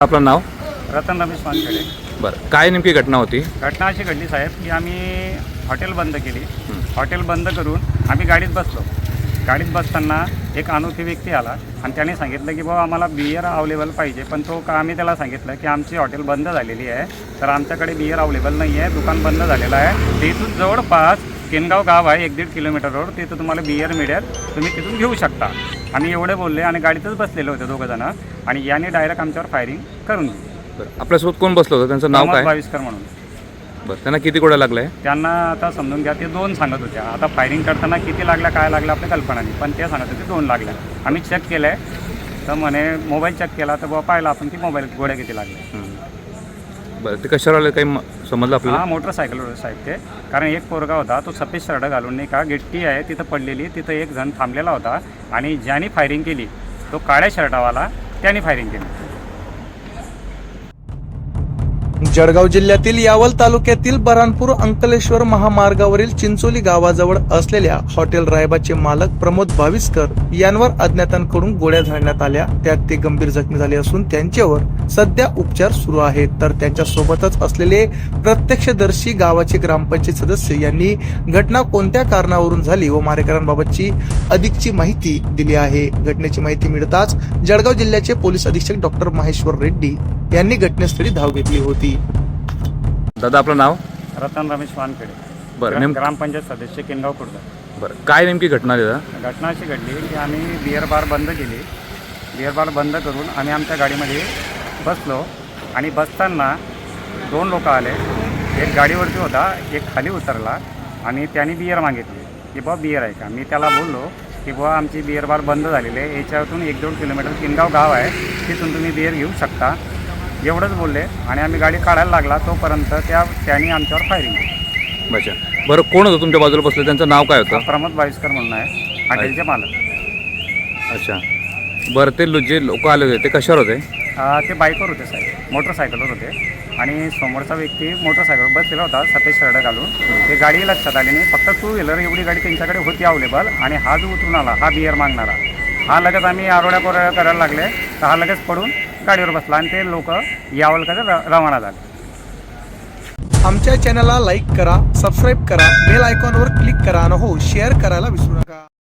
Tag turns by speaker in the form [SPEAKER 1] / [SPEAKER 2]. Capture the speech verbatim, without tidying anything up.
[SPEAKER 1] आपलं नाव?
[SPEAKER 2] रतन रमेश वानखेडे.
[SPEAKER 1] बरं, काय नेमकी घटना होती?
[SPEAKER 2] घटना अशी घडली साहेब की आम्ही हॉटेल बंद केली. हॉटेल बंद करून आम्ही गाडीत बसलो. गाडीत बसताना एक अनोखी व्यक्ती आला आणि त्याने सांगितलं की बाबा आम्हाला बियर अवेलेबल पाहिजे. पण तो का आम्ही त्याला सांगितलं की आमची हॉटेल बंद झालेली आहे, तर आमच्याकडे बियर अवेलेबल नाही आहे, दुकान बंद झालेलं आहे. ते इथून जवळपास केनगाव गाव आहे, एक दीड किलोमीटर रोड, तिथं तुम्हाला बियर मिळेल, तुम्ही तिथून घेऊ शकता. आम्ही एवढे बोलले आणि गाडीतच बसलेले होते दोघं जण आणि याने डायरेक्ट आमच्यावर फायरिंग करून दिली.
[SPEAKER 1] बरं, आपल्यासोबत कोण बसलं होतं? त्यांचं नाव काय?
[SPEAKER 2] बावीसकर म्हणून.
[SPEAKER 1] बरं, त्यांना किती गोळ्या लागल्या?
[SPEAKER 2] त्यांना आता समजून घ्या, ते दोन सांगत होत्या. आता फायरिंग करताना किती लागल्या काय लागलं आपल्या कल्पना नाही, पण ते सांगत होते दोन लागल्या. आम्ही चेक केलं आहे तर म्हणे मोबाईल चेक केला तर बाबा पाहिलं आपण की मोबाईल गोळ्या किती लागल्या.
[SPEAKER 1] बरं, ते कशावर आले काही समजलं आपल्याला?
[SPEAKER 2] हा मोटरसायकलवर साहेब ते, कारण एक पोरगा होता तो सफेद शर्ट घालून नाही का गिट्टी आहे तिथं पडलेली, तिथं एक जण थांबलेला होता आणि ज्याने फायरिंग केली तो काळ्या शर्टावाला, त्याने फायरिंग केली.
[SPEAKER 3] जळगाव जिल्ह्यातील यावल तालुक्यातील बऱ्हाणपूर अंकलेश्वर महामार्गावरील चिंचोली गावाजवळ असलेल्या हॉटेल रायबाचे मालक प्रमोद भाविस्कर यांवर अज्ञातांकडून गोळ्या झाडण्यात आल्या. त्यात ते गंभीर जखमी झाले असून त्यांच्यावर सध्या उपचार सुरू आहेत. तर त्यांच्या सोबतच असलेले प्रत्यक्षदर्शी गावाचे ग्रामपंचायत सदस्य यांनी घटना कोणत्या कारणावरून झाली व मारेकरांबाबतची अधिकची माहिती दिली आहे. घटनेची माहिती मिळताच जळगाव जिल्ह्याचे पोलीस अधीक्षक डॉक्टर महेश्वर रेड्डी यांनी घटनास्थळी धाव घेतली होती.
[SPEAKER 1] दादा, आपलं नाव?
[SPEAKER 2] रतन रमेश वानखेडे.
[SPEAKER 1] बरं, नेम
[SPEAKER 2] ग्रामपंचायत सदस्य केनगाव खुर्द.
[SPEAKER 1] बरं, काय नेमकी घटना दादा?
[SPEAKER 2] घटना अशी घडली की आम्ही बिअर बार बंद केली. बिअर बार बंद करून आम्ही आमच्या गाडीमध्ये बसलो आणि बसताना दोन लोक आले. एक गाडीवरती होता, एक खाली उतरला आणि त्याने बिअर मागितली की बाबा बिअर आहे का. मी त्याला बोललो की बाबा आमची बिअर बार बंद झालेली आहे, याच्यातून एक दोन किलोमीटर किनगाव गाव आहे, तिथून तुम्ही बिअर घेऊ शकता, एवढंच बोलले. आणि आम्ही गाडी काढायला लागला तोपर्यंत त्या त्यांनी आमच्यावर फायरिंग केली.
[SPEAKER 1] अच्छा, बरं, कोण होतं तुमच्या बाजूला बसलं? त्यांचं नाव काय होतं?
[SPEAKER 2] प्रमोद बावीसकर म्हणून आहे, हॉटेलचे मालक.
[SPEAKER 1] अच्छा, बरं, ते लो- जे लोक आले होते ते कशावर होते?
[SPEAKER 2] अ, ते बाईकवर होते साहेब, मोटरसायकलवर होते. आणि समोरचा व्यक्ती मोटरसायकलवर बसलेला होता सफेद शर्ट घालून. ते गाडी लक्षात आली नाही, फक्त टू व्हीलर एवढी गाडी त्यांच्याकडे होती अवेलेबल. आणि हा जो उतरून आला, हा बिअर मागणारा, हा लगेच आम्ही आरोड्या कोरड्या करायला लागले तर हा लगेच पडून गाडीवर बसला आणि ते लोक यावलकडे रवाना झाले.
[SPEAKER 3] आमच्या चॅनलला लाईक करा, सबस्क्राईब करा, बेल आयकॉनवर क्लिक करा आणि हो शेअर करायला विसरू नका.